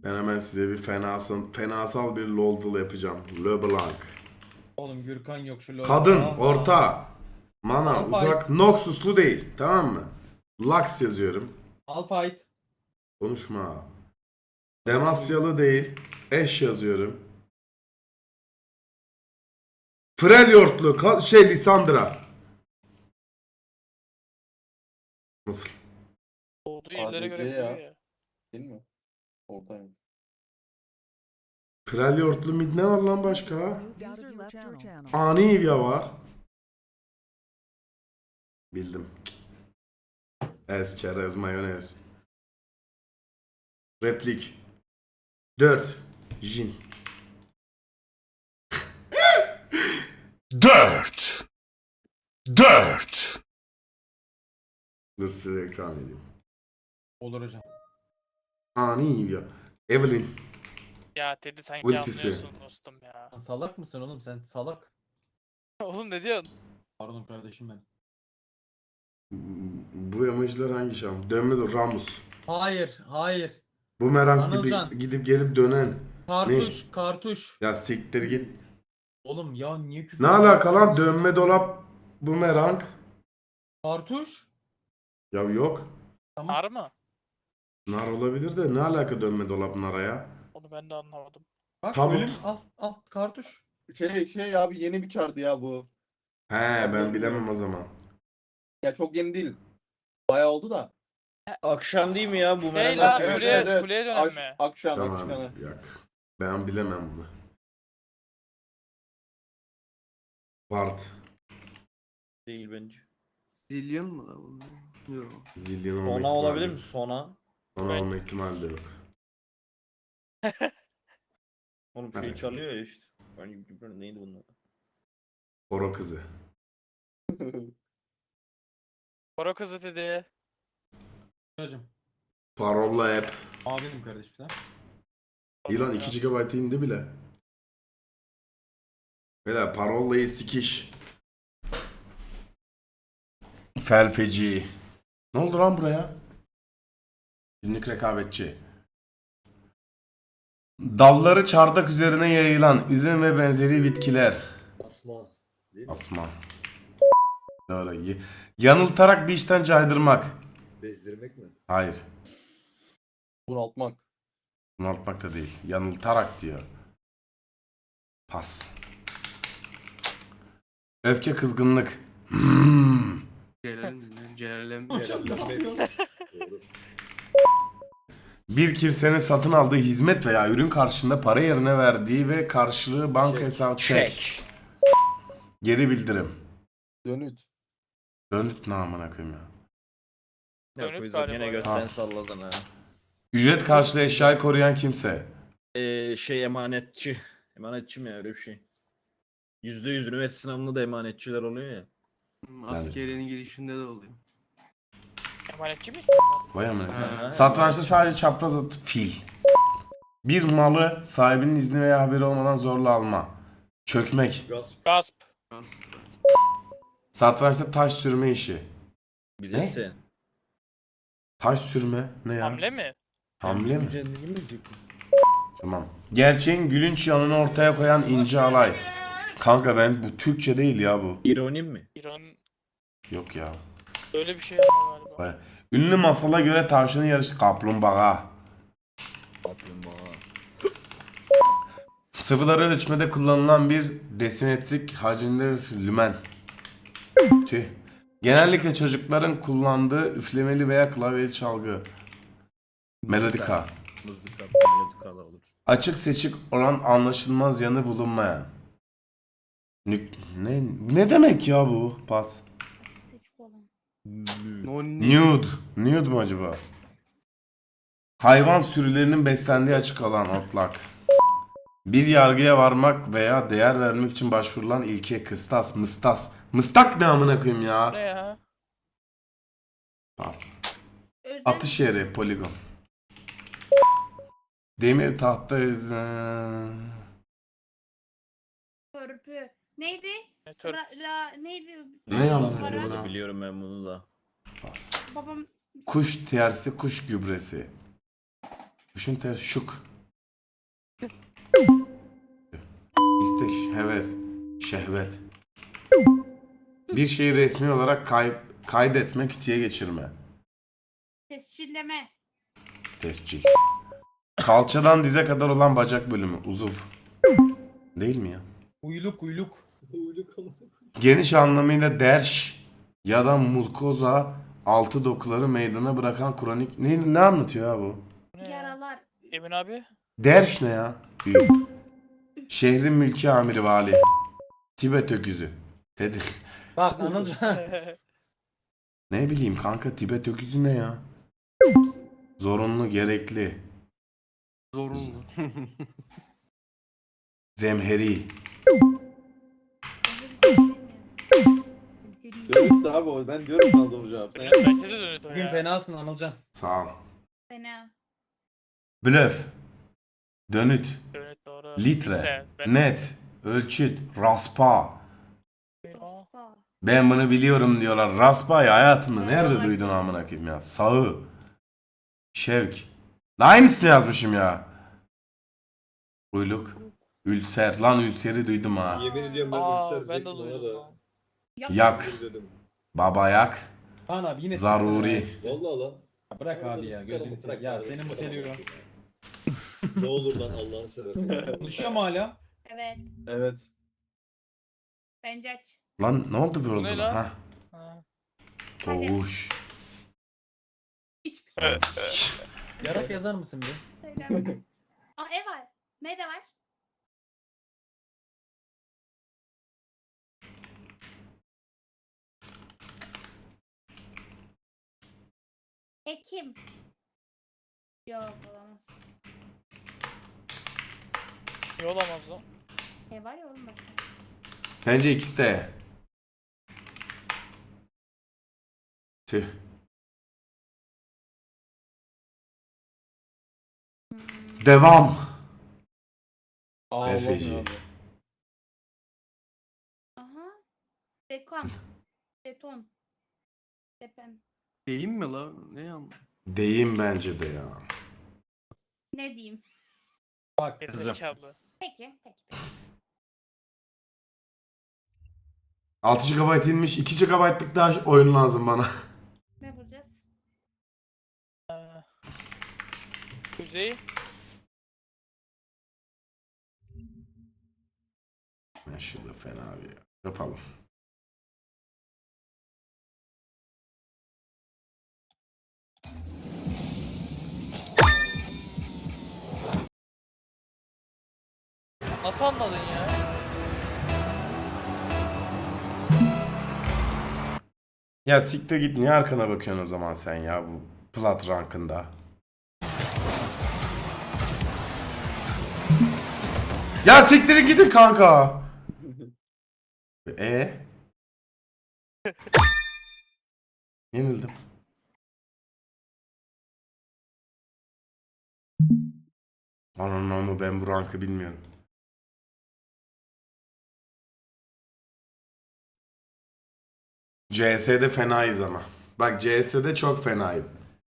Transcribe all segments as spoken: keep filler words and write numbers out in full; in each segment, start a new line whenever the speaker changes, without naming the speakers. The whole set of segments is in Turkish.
Ben hemen size bir fenasal, fenasal bir LoL yapacağım. LeBlanc.
Oğlum Gürkan yok şu LoL'da.
Kadın,
Ah,
orta. Mana,
Malphite.
uzak, Noxus'lu değil. Tamam mı? Lux yazıyorum.
Malphite.
Konuşma. Demasyalı değil. Eş yazıyorum. Freljord'lu, ka- şey Lisandra. Nasıl?
Olduğu yerlere göre
A D C ya.
koyuyor ya.
Değil mi? Oradaymış.
Freljord'lu mid ne var lan başka?
User left your channel.
Ani Ivya var. Bildim. Ez, çerez, mayonez. Replik. dört. Jin.
Dört. Dört.
Dur size ekran edeyim.
Olur hocam.
Ani Ivya. Evelyn.
Ya Teddy sanki
Ultisi.
anlıyorsun dostum ya.
Sen salak mısın oğlum sen salak.
Oğlum ne diyorsun?
Pardon kardeşim ben.
Bu emojiler hangi şam? Dönme dur Ramus.
Hayır hayır.
Bumerang gibi
Anılcan.
gidip gelip dönen.
Kartuş kartuş.
Ya siktir git.
Oğlum ya niye küfür
Ne
ediyorsun?
alaka lan dönme dolap bumerang?
Kartuş.
Ya yok.
Tamam.
Var mı?
Nar olabilir de ne alaka dönme dolap nara ya?
Onu ben de anlamadım.
Bak
Tabut.
ölüm al al kartuş.
Şey şey abi yeni bir çardı ya bu.
He ben bilemem o zaman.
Ya çok yeni değil. Bayağı oldu da.
Akşam değil mi ya bu
Hey
merak
la
evet,
kuleye,
evet, evet.
kuleye dönen
Aş-
mi?
akşam
Tamam
akşam.
yak. Ben bilemem bunu. Bart.
değil bence.
Zillion mu da bunlar? Yok.
Zillion olma
Sona
ihtimali
olabilir
yok.
mi? Sona.
Sona
Ben-
olma ihtimali de yok.
Oğlum şey
Evet.
çalıyor ya işte. Ben neydi bunlar?
Oro kızı.
Koro kızı Teddy.
Hocam.
Parolla hep.
Abim kardeşim sen.
İlan iki gigabayt indi bile. Beyler parollayı sikiş. Felfeci. Ne oldu lan buraya? Günlük rekabetçi. Dalları çardak üzerine yayılan üzüm ve benzeri bitkiler.
Asma. Değil mi?
Asma. Doğru. Y- Yanıltarak bir işten caydırmak.
Bezdirmek mi?
Hayır.
Bunaltmak.
Bunaltmak da değil. Yanıltarak diyor. Pas. Öfke, kızgınlık. Hmm.
Celal'in Celal'in
Celallenmek. Doğru.
Bir kimsenin satın aldığı hizmet veya ürün karşılığında para yerine verdiği ve karşılığı banka
Çek.
hesabı çek. Geri bildirim.
Dönüt.
Dönüt namına koyayım ya.
Ya
Dönüp
koyacağım
galiba
yine
ya.
götten
Pas.
salladın ha.
Ücret karşılığı eşyayı koruyan kimse.
Ee, şey emanetçi. Emanetçi mi ya öyle bir şey? Yüzde yüz üniversite sınavında da emanetçiler oluyor ya.
askeriyenin girişinde de oluyor.
Emanetçi mi?
Vay amına.
Ha,
Satrançta sadece çapraz at fil. Bir malı sahibinin izni veya haberi olmadan zorla alma. Çökmek.
Gasp.
Gasp.
Satrançta taş sürme işi.
Bilirsin.
Taş sürme ne ya?
Hamle mi?
Hamle mi?
Mücadele mi diyecek?
Tamam. Gerçeğin gülünç yanını ortaya koyan ince alay. Kanka ben bu Türkçe değil ya bu.
İronim mi?
İran
Yok ya.
öyle bir şey ama galiba.
Vay. Ünlü masala göre tavşanın yarışı kaplumbağa.
Kaplumbağa.
Sıvıları ölçmede kullanılan bir desimetrik hacimde lümen. Tüh. Genellikle çocukların kullandığı üflemeli veya klavyeli çalgı. Melodika.
Mızıka. Melodikalar olur.
Açık seçik olan anlaşılmaz yanı bulunmayan. Nük ne ne demek ya bu? Pas.
Nonni.
Nude. Nude mu acaba? Hayvan sürülerinin beslendiği açık alan otlak. Bir yargıya varmak veya değer vermek için başvurulan ilke kıstas, mıstas. Mıstak ne amına koyayım
Ne
ya?
ya?
Pas. Atış yeri, poligon. Demir tahta özü.
Törpü. Neydi?
Ne tör-
La, la neydi?
Ne amına
Para.
koyayım ya?
Biliyorum ben bunu da.
Pas.
Babam
Kuş tersi, kuş gübresi. Kuşun tersi şuk. heves, şehvet. Bir şeyi resmi olarak kay kaydetme, kütüye geçirme.
Tescilleme.
Tescil. Kalçadan dize kadar olan bacak bölümü, uzuv. Değil mi ya?
Uyluk uyluk.
Uyduk ama.
Geniş anlamıyla derş ya da mukoza altı dokuları meydana bırakan kronik... Ne, ne anlatıyor ya bu?
Bu ne ya?
Yaralar.
Emin abi.
Derş ne ya? Büyük. Şehrin mülki amiri vali. Tibet öküzü. Dedi.
Bak Anılcan.
Ne bileyim kanka, Tibet öküzü ne ya? Zorunlu, gerekli.
Zorunlu.
Zemheri.
Dönüt abi o. Ben diyorum sana doğru cevap. Sen yap.
Bence de dönüt o
Bugün
ya.
fenasın Anılcan.
Sağ ol.
Fena.
Blöf. Dönüt.
Dönüt doğru.
Litre.
Sen, ben-
Net. Ölçüt. Raspa.
Aa,
Ospa.
Ben bunu biliyorum diyorlar. Raspa'yı hayatında nerede
Evet.
duydun amına koyayım ya? Sağı. Şevk. Aynısını yazmışım ya. Uyluk. Ülser. Lan ülseri duydum ha.
Yemin ediyorum ben
Aa,
ülser
ben de
diyecektim ona
duydum.
da.
lan.
Yak.
Dur dedim.
Babayak.
Kaan abi yine
Zaruri.
Vallahi lan.
Ya bırak abi ya gözünü
Bırak
seveyim. Ya
abi,
senin bu
çıkarama.
televizyon.
Ne olur lan Allah'ını seversen.
Konuşuyor mu hala?
Evet.
Evet.
Bence aç.
Lan ne oldu
Bu ne
World'un?
lan?
Ha.
Ha.
Koğuş.
Hiçbir şey
Yarak yazar mısın bir?
söylemiyorum. Aa ev var. Ne de var? Ekim. Yok olamaz.
İyi olamaz lan.
Ev var ya oğlum başka.
Bence ikisi de. Tüh.
Hmm.
Devam.
Aa,
Efeci.
Allah'ım abi.
Aha. Dekan. Deton. Depen.
Değil mi la? Ne ya?
Deyim bence de ya.
Ne diyeyim?
Bak
Gerizekalı.
Peki. Peki. peki.
altı gigabayt inmiş. iki gigabaytlık daha oyun lazım bana.
Ne bulacağız?
Ha. Kuzey.
Ya şurada fena bir ya. Yapalım.
Nasıl anladın ya?
Ya siktir git, niye arkana bakıyorsun o zaman sen ya bu plat rankında? Ya siktirin gidin kanka. E Yenildim. Anam ama ben bu rankı bilmiyorum. C S'de fenayız ama. Bak C S'de çok fenayım.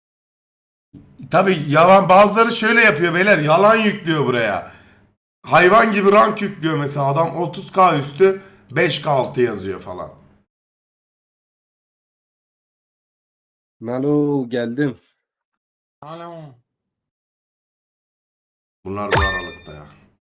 Tabi yalan, bazıları şöyle yapıyor beyler, yalan yüklüyor buraya. Hayvan gibi rank yüklüyor mesela, adam otuz K üstü beş K altı yazıyor falan.
Nalo geldim.
Alo.
Bunlar bu aralıkta ya.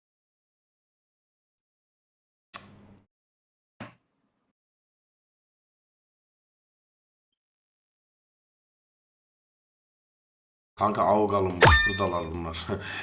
Kanka Avgal'ım buradalar bunlar.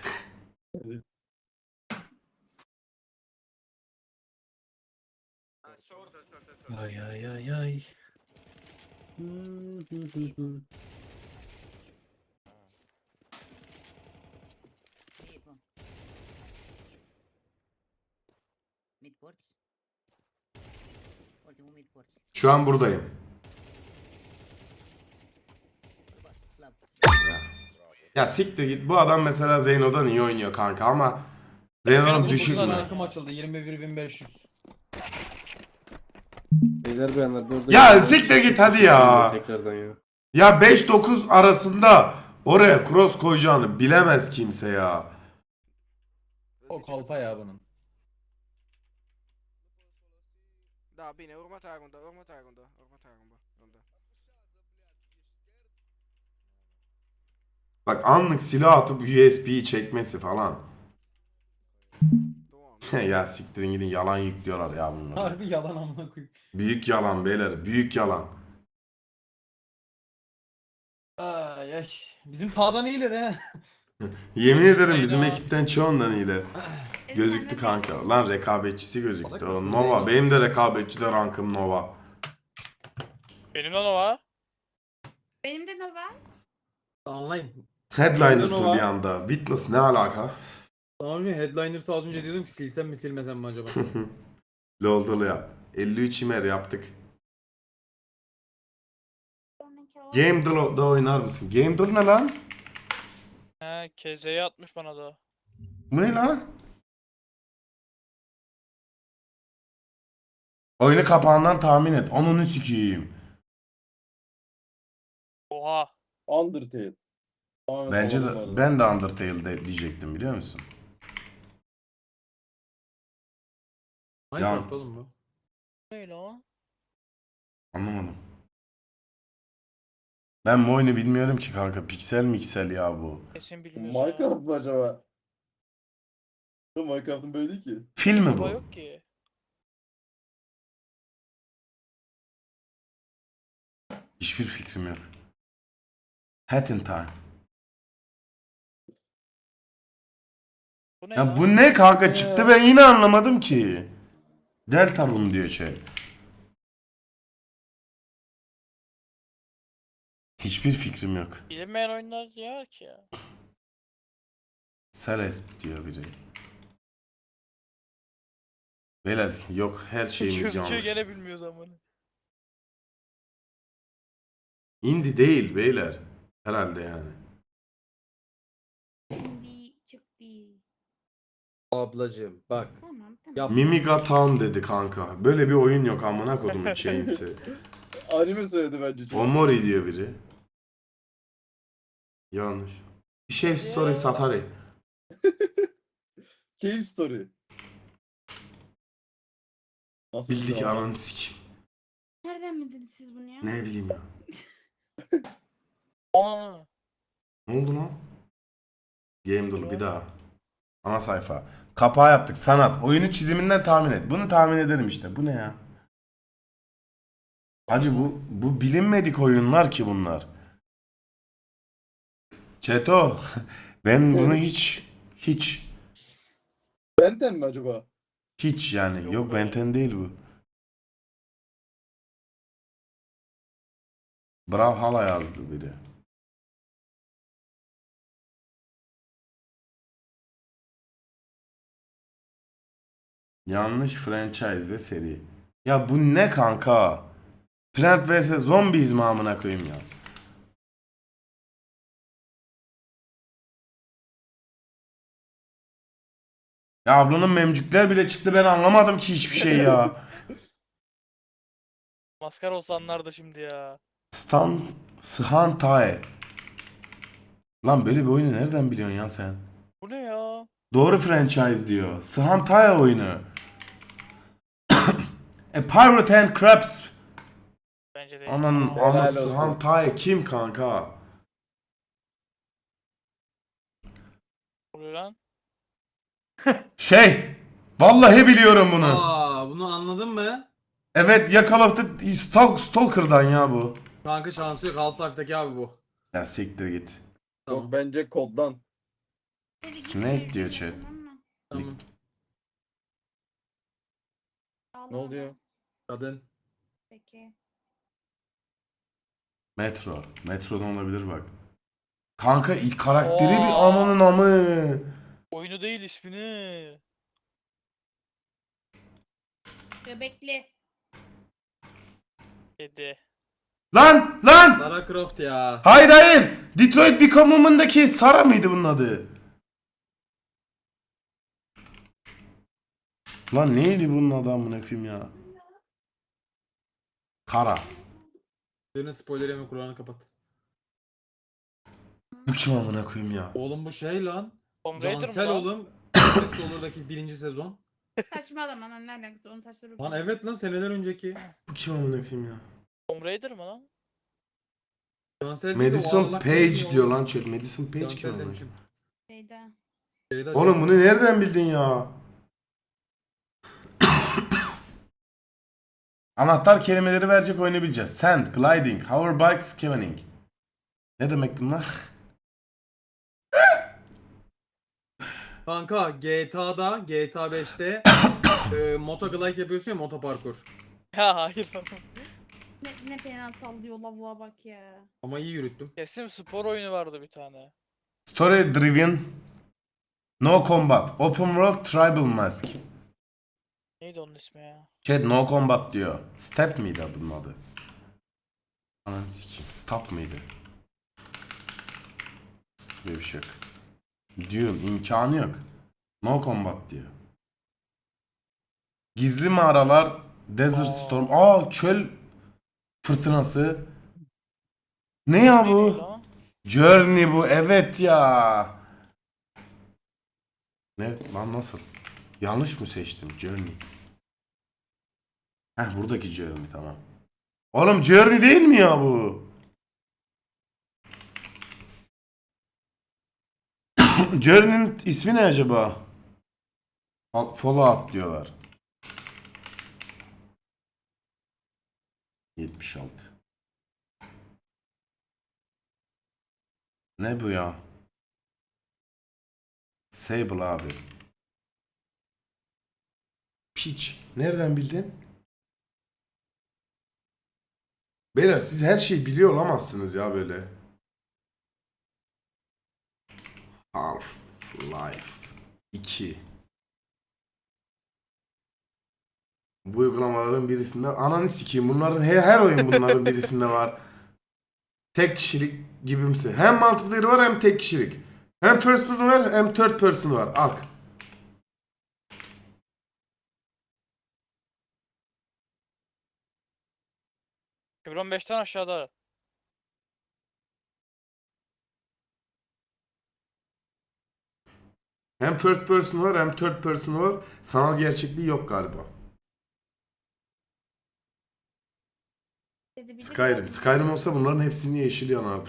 Ay ay ay ay.
Şu an buradayım. Ya, ya siktir git, bu adam mesela Zeyno'dan iyi oynuyor kanka ama Zeyno'dan düşük
Benim
mü?
rankım açıldı yirmi bir bin beş yüz.
Beyler beyanlar burada.
Ya siktir git hadi ya.
Tekrardan ya.
Ya beş dokuz arasında oraya cross koyacağını bilemez kimse ya.
O kolpa ya bunun.
Da, bine, următoarea rundă, următoarea rundă, următoarea rundă. rundă.
Bak anlık silah atıp U S B'yi çekmesi falan.
Doamne.
Ya siktirin gidin, yalan yüklüyorlar ya bunlar.
Harbi yalan amına koyayım.
Büyük yalan beyler, büyük yalan.
Ay ay. Bizim tağdan iyiler he.
Yemin ederim bizim
Hayda.
ekipten çoğundan iyiler. Gözüktü kanka. Lan rekabetçisi gözüktü. O Nova. Benim de rekabetçi de rankım Nova.
Benim lan o var.
Benim de Nova.
Anlayayım.
Headliners'ın
Nova.
bir anda. Witness ne alaka?
Sana önce Headliners'ı az önce diyordum ki silsem mi silmesem mi acaba?
Lol dolu yap. elli üç imer yaptık.
Sonraki o.
Game Doll'da oynar mısın? Game Doll ne lan?
He K Z'ye atmış bana da.
Bu ne lan? Oyunu kapağından tahmin et. Onunu sikeyim.
Oha.
Undertale. Tamamen
Bence
havalı bu
de
arada.
ben de Undertale'de diyecektim biliyor musun?
Minecraft oğlum bu.
Ne lan?
Anlamadım. Ben bu oyunu bilmiyorum ki kanka. Piksel miksel ya bu.
Kesin bilmiyorsun ya.
Minecraft mı acaba? Minecraft'ın böyle değil ki.
Film mi
Baba
bu?
yok ki.
Hiçbir fikrim yok. Hat in Time.
Bu ne
Ya
lan?
bu ne kanka çıktı, ben yine anlamadım ki. Deltarune diyor şey. Hiçbir fikrim yok.
Bilinmeyen oyunlar diyor ki ya.
Celeste diyor biri. Beyler yok, her şeyimiz
Gözüküyor
yanlış.
gene bilmiyoruz ama.
Indie değil beyler. Herhalde yani.
Şimdi çıktı.
Ablacığım bak.
Tamam tamam.
Yap.
Mimiga Town dedi kanka. Böyle bir oyun yok amına kodumun Chains'i.
Anime söyledi bence. çok.
Omori diyor biri. Yanlış. Bir şey story safari.
Cave Story. Nasıl
Bildik
bir
ananı sikim.
Nereden bildiniz siz bunu ya?
Ne bileyim ya.
Aa.
Ne oldu lan? Game Doll bir daha. Ana sayfa. Kapağı yaptık. Sanat. Oyunu çiziminden tahmin et. Bunu tahmin ederim işte. Bu ne ya? Hacı bu bu bilinmedik oyunlar ki bunlar. Çeto. Ben bunu hiç hiç
Benten mi acaba?
hiç yani
Yok
yok
be.
Benten değil bu. Brawlhalla yazdı biri. Yanlış franchise ve seri. Ya bu ne kanka? Plant vs Zombies mi amına koyayım ya? Ya ablanın memcükler bile çıktı, ben anlamadım ki hiçbir şey ya.
Maskara olsanlar da şimdi ya.
Stan Shan Tae. Lan böyle bir oyunu nereden biliyorsun ya sen?
Bu ne ya?
Doğru franchise diyor. Shan Tae oyunu. A Pirate and Crabs.
Bence değil.
Ananın
Aa.
Helal
anası
olsun.
Han Tae kim kanka?
Ne oluyor lan?
Şey. Vallahi biliyorum bunu.
Aa bunu anladın mı?
Evet ya, Call of Duty Stalk, Stalker'dan ya bu.
Kanka şansı yok Half-Life'daki abi bu.
Ya siktir git.
Tamam.
Yok bence koddan.
Hadi
Snake
gitmeyin,
diyor chat.
tamam mı?
Tamam.
Allah
Ne oluyor?
Kadın.
Peki.
Metro. Metro'dan olabilir bak. Kanka ilk karakteri bir
Oo.
amanın amı.
Oyunu değil ismini.
Göbekli.
Kedi.
Lan lan.
Lara Croft ya.
Hayır hayır. Detroit Become Human'daki Sara mıydı bunun adı? Lan neydi bunun adı amına koyayım ya? Kara.
Birinin spoiler yeme kulağını kapat.
Bu kim amına koyayım ya?
Oğlum bu şey lan.
Tomb Raider mı
Cansel
lan?
oğlum. Solur'daki birinci sezon.
Saçmalama lan ne alakası onun taşları.
Lan evet lan seneler önceki.
Bu kim amına koyayım ya?
Tomb Raider mı lan?
Cansel değil de o
Madison
ağırlak
Page
neydi
diyor
oğlum?
lan chat. Madison Page kim
Cansel
amına
demişim.
koyayım?
Şeyde.
Şeyde
Oğlum
şey-
bunu nereden bildin ya? Anahtar kelimeleri verecek oyunu bileceğiz. Sand, gliding, hoverbike, scavening. Ne demek bunlar?
Kanka G T A'da G T A beşte e, motoglide yapıyorsun ya motoparkur.
Ya hayır.
Ne, ne fena sallıyor lavuğa bak ya.
Ama iyi yürüttüm.
Kesin spor oyunu vardı bir tane.
Story driven, no combat, open world, tribal mask.
Neydi onun ismi ya?
Chat no combat diyor. Step miydi bunun adı? Anam sikeyim. Stop mıydı? Böyle bir şey yok. Diyorum imkanı yok. No combat diyor. Gizli mağaralar, desert
Aa.
storm. Aa çöl fırtınası. Ne ya
Neydi
bu?
lan?
Journey bu. Evet ya. Nerede lan nasıl? Yanlış mı seçtim? Journey. Heh buradaki Journey tamam. Oğlum Journey değil mi ya bu? Journey'nin ismi ne acaba? Al- Fallout diyorlar. yetmiş altı. Ne bu ya? Sable abi. Piç. Nereden bildin? Beyler siz her şeyi biliyor olamazsınız ya böyle. Half-Life iki. Bu uygulamaların birisinde ananı sikeyim bunların her, her oyun bunların birisinde var. Tek kişilik gibimsi. Hem multiplayer var hem tek kişilik. Hem first person var hem third person var. Ark.
iki bin on beşten aşağıda.
Hem first person var hem third person var. Sanal gerçekliği yok galiba.
Dedi, bir de
Skyrim.
bir-
Skyrim olsa bunların hepsini yeşil yanardı.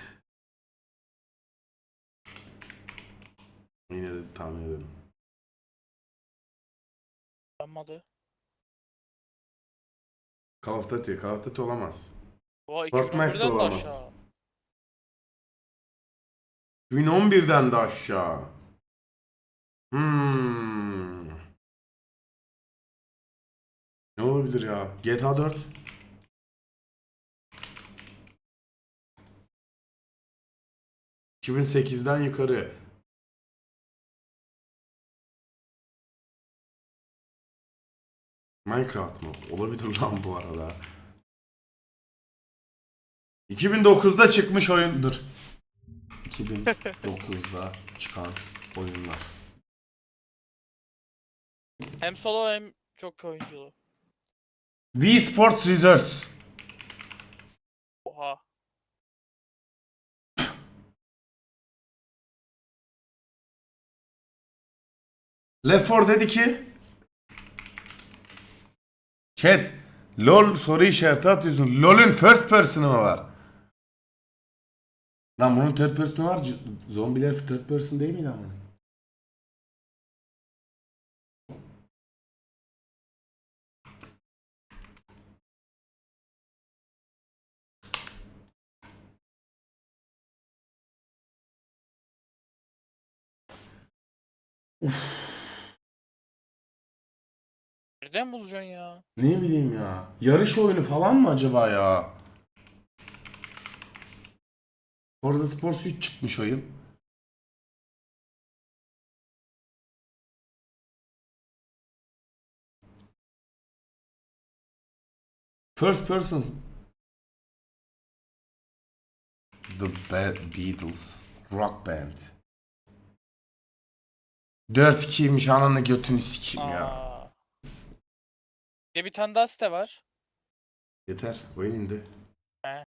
Yine de tahmin ederim.
Yanmadı.
Call of Duty. Call of Duty olamaz.
Oha
Fortnite de
iki bin on birden de
olamaz.
aşağı.
iki bin on birden de aşağı. Hmm. Ne olabilir ya? G T A dört. iki bin sekizden yukarı. Minecraft mı? Olabilir lan bu arada. iki bin dokuzda çıkmış oyundur. iki bin dokuzda çıkan oyunlar.
Hem solo hem çok oyunculu.
Wii Sports Resorts.
Oha.
Left four dedi ki Chat LOL soru işareti atıyorsun. LOL'ün first person'ı mı var? Lan bunun third person'ı var. C- Zombiler third person değil miydi ama?
Nereden bulacaksın ya?
Ne bileyim ya. Yarış oyunu falan mı acaba ya? Orada Sports üç çıkmış oyun. First person. The Be- Beatles. Rock Band. dört ikiymiş ananı götünü sikeyim ya.
Aa. Bir de bir tane daha site var.
Yeter oyun indi.
He.